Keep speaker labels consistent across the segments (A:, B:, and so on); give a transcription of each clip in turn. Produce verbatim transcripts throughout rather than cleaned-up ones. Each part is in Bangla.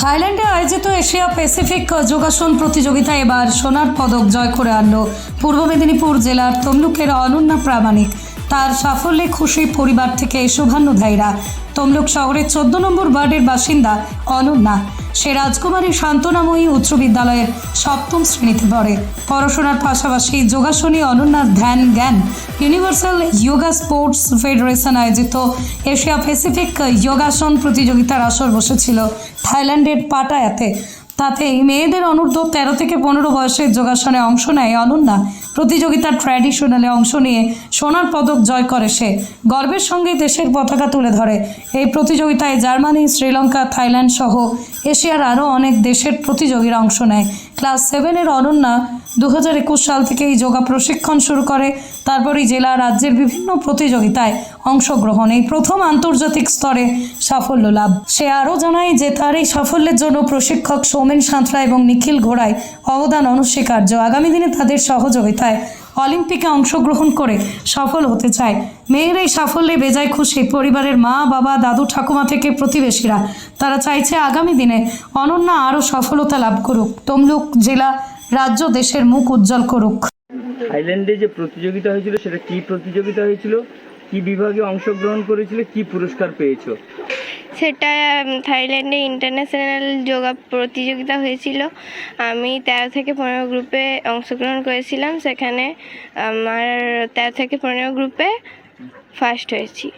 A: থাইল্যান্ডে আয়োজিত এশিয়া প্যাসিফিক যোগাসন প্রতিযোগিতায় এবার সোনার পদক জয় করে আনল পূর্ব মেদিনীপুর জেলার তমলুকের অনন্যা প্রামাণিক। তার সাফল্যে খুশি পরিবার থেকে শুভান্নুধ্যায়ীরা। তমলুক শহরের চোদ্দ নম্বর ওয়ার্ডের বাসিন্দা অনন্যা। সে রাজকুমারী শান্তনাময়ী উচ্চ বিদ্যালয়ের সপ্তম শ্রেণীতে পড়ে। পড়াশোনার পাশাপাশি যোগাসনে অনন্যার ধ্যান জ্ঞান। ইউনিভার্সাল যোগা স্পোর্টস ফেডারেশন আয়োজিত এশিয়া প্যাসিফিক যোগাসন প্রতিযোগিতার আসর বসেছিল থাইল্যান্ডের পাটায়াতে। তাতে মেয়েদের অনূর্ধ্ব তেরো থেকে পনেরো বয়সের যোগাসনে অংশ নেয় অনন্যা। প্রতিযোগিতার ট্র্যাডিশনালে অংশ নিয়ে সোনার পদক জয় করে সে। গর্বের সঙ্গে দেশের পতাকা তুলে ধরে। এই প্রতিযোগিতায় জার্মানি, শ্রীলঙ্কা, থাইল্যান্ড সহ এশিয়ার আরও অনেক দেশের প্রতিযোগীরা অংশ নেয়। ক্লাস সেভেনের অনন্যা দু হাজার একুশ সাল থেকে এই যোগা প্রশিক্ষণ শুরু করে। তারপরই জেলা রাজ্যের বিভিন্ন প্রতিযোগিতায় অংশগ্রহণ, এই প্রথম আন্তর্জাতিক স্তরে সাফল্য লাভ। সে আরও জানায় যে তার এই সাফল্যের জন্য প্রশিক্ষক সৌমেন সাঁতরা এবং নিখিল ঘোড়ায় অবদান অনস্বীকার্য। আগামী দিনে তাদের সহযোগিতায় অলিম্পিকে অংশগ্রহণ করে সফল হতে চায়। মেয়ের এই সাফল্যে বেজায় খুশি পরিবারের মা, বাবা, দাদু, ঠাকুমা থেকে প্রতিবেশীরা। তারা চাইছে আগামী দিনে অনন্যা আরও সফলতা লাভ করুক, তমলুক জেলা, রাজ্য, দেশের মুখ উজ্জ্বল করুক।
B: থাইল্যান্ডে যে প্রতিযোগিতা হয়েছিল সেটা কি প্রতিযোগিতা হয়েছিল, কি বিভাগে অংশগ্রহণ করেছিল, কি পুরস্কার পেয়েছো?
C: সেটা থাইল্যান্ডে ইন্টারন্যাশনাল যোগা প্রতিযোগিতা হয়েছিল। আমি তেরো থেকে পনেরো গ্রুপে অংশগ্রহণ করেছিলাম। সেখানে আমার তেরো থেকে পনেরো গ্রুপে ফার্স্ট হয়েছি।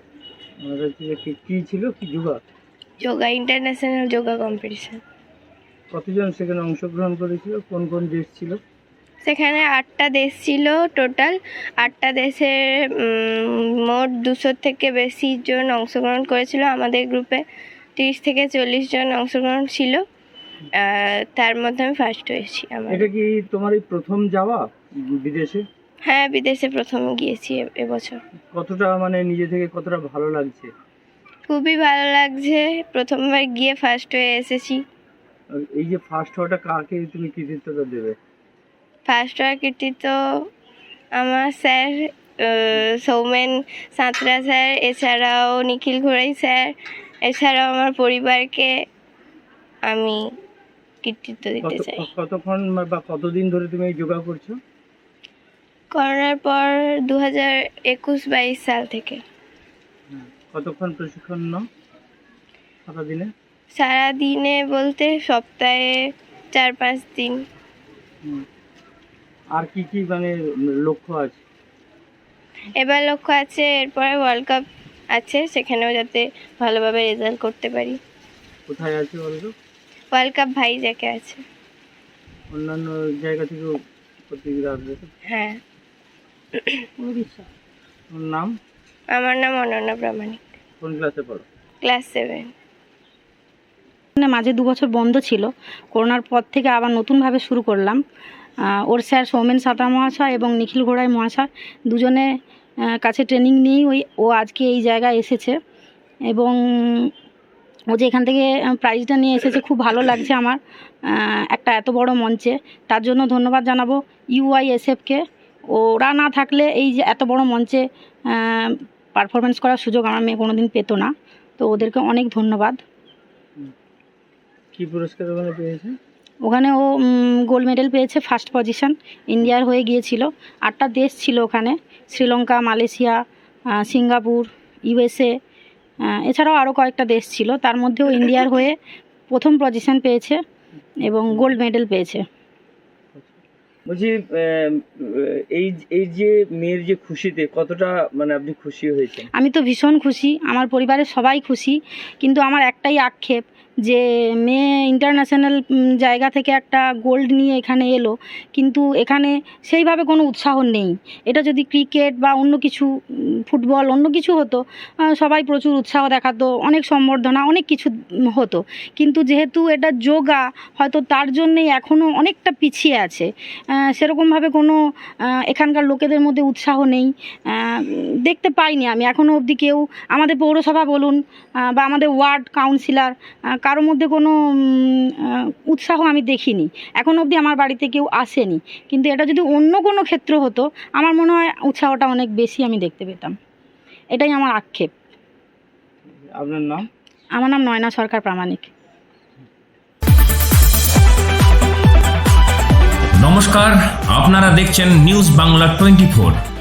B: কি ছিল, কি yoga?
C: Yoga international yoga competition.
B: কতজন সেখানে অংশগ্রহণ করেছিল, কোন কোন দেশ ছিল?
C: সেখানে আটটা দেশ ছিল টোটাল। আটটা দেশের মোট দুশো থেকে বেশি জন অংশগ্রহণ করেছিল। আমাদের গ্রুপে তিরিশ থেকে চল্লিশ জন অংশগ্রহণ ছিল। তার মধ্যে আমি ফার্স্ট হয়েছি। আমার
B: এটা কি তোমার এই প্রথম যাওয়া বিদেশে?
C: হ্যাঁ, বিদেশে প্রথম গিয়েছি এবছর।
B: কতটা মানে নিজে থেকে কতটা ভালো লাগছে?
C: খুবই ভালো লাগছে, প্রথমবার গিয়ে ফার্স্ট হয়ে এসেছি।
B: এই যে ফার্স্ট হওয়াটা কাকে তুমি কৃতিত্বটা দেবে?
C: ফার্স্ট হওয়ার কৃতিত্ব আমার স্যার সৌমেন সাঁতরা স্যার, এছাড়াও নিখিল ঘোড়াই স্যার, এছাড়াও আমার পরিবারকে আমি কৃতিত্ব দিতে চাই।
B: কতক্ষণ বা কতদিন ধরে তুমি এই যোগা করছো?
C: করোনার পর দু হাজার একুশ বাইশ সাল থেকে।
B: কতক্ষণ প্রশিক্ষণ নাও সারাদিনে?
C: সারাদিনে বলতে সপ্তাহে চার পাঁচ দিন।
B: আর কি কি মানে লক্ষ্য আছে?
C: এবার লক্ষ্য আছে এরপরে ওয়ার্ল্ড কাপ আছে, সেখানেও যাতে ভালোভাবে রেজাল্ট করতে পারি।
B: কোথায় আছে ওয়ার্ল্ড কাপ?
C: ওয়ার্ল্ড কাপ ভাইজ্যাকে আছে।
B: অন্যান্য জায়গা থেকেও প্রতিযোগিতা আসবে?
C: হ্যাঁ।
B: ওর নাম?
C: আমার নাম অনন্যা প্রামাণিক।
B: কোন ক্লাসে পড়ো?
C: Class seven.
D: মাঝে দু বছর বন্ধ ছিল, করোনার পর থেকে আবার নতুনভাবে শুরু করলাম। ওর স্যার সৌমেন সাঁতরা মহাশয় এবং নিখিল ঘোড়াই মহাশয় দুজনে কাছে ট্রেনিং নিয়েই ওই ও আজকে এই জায়গায় এসেছে এবং ও যে এখান থেকে প্রাইজটা নিয়ে এসেছে, খুব ভালো লাগছে আমার একটা এত বড় মঞ্চে। তার জন্য ধন্যবাদ জানাবো ইউআইএসএফকে। ওরা না থাকলে এই যে এত বড় মঞ্চে পারফরমেন্স করার সুযোগ আমার মেয়ে কোনোদিন পেত না। তো ওদেরকে অনেক ধন্যবাদ।
B: কি পুরস্কার ওখানে পেয়েছে?
D: ওখানে ও গোল্ড মেডেল পেয়েছে, ফার্স্ট পজিশন ইন্ডিয়ার হয়ে গিয়েছিল। আটটা দেশ ছিল ওখানে, শ্রীলঙ্কা, মালয়েশিয়া, সিঙ্গাপুর, ইউএসএ, এছাড়াও আরও কয়েকটা দেশ ছিল। তার মধ্যেও ইন্ডিয়ার হয়ে প্রথম পজিশন পেয়েছে এবং গোল্ড মেডেল পেয়েছে।
B: বলছি এই এই যে মেয়ের যে খুশিতে কতটা মানে আপনি খুশি হয়েছেন?
D: আমি তো ভীষণ খুশি, আমার পরিবারের সবাই খুশি, কিন্তু আমার একটাই আক্ষেপ যে মেয়ে ইন্টারন্যাশনাল জায়গা থেকে একটা গোল্ড নিয়ে এখানে এলো, কিন্তু এখানে সেইভাবে কোনো উৎসাহ নেই। এটা যদি ক্রিকেট বা অন্য কিছু, ফুটবল, অন্য কিছু হতো, সবাই প্রচুর উৎসাহ দেখাতো, অনেক সম্বর্ধনা, অনেক কিছু হতো। কিন্তু যেহেতু এটা যোগা, হয়তো তার জন্যেই এখনও অনেকটা পিছিয়ে আছে। সেরকমভাবে কোনো এখানকার লোকেদের মধ্যে উৎসাহ নেই, দেখতে পাইনি আমি এখনও অবধি। কেউ আমাদের পৌরসভা বলুন বা আমাদের ওয়ার্ড কাউন্সিলর, কারোর মধ্যে কোনো উৎসাহ আমি দেখিনি এখনও অবধি। আমার বাড়িতে কেউ আসেনি, কিন্তু এটা যদি অন্য কোনো ক্ষেত্র হতো আমার মনে হয় উৎসাহটা অনেক বেশি আমি দেখতে পেতাম। এটাই আমার আক্ষেপ।
B: আপনার নাম?
D: আমার নাম নয়না সরকার প্রামাণিক।
E: নমস্কার, আপনারা দেখছেন নিউজ বাংলা টোয়েন্টি ফোর।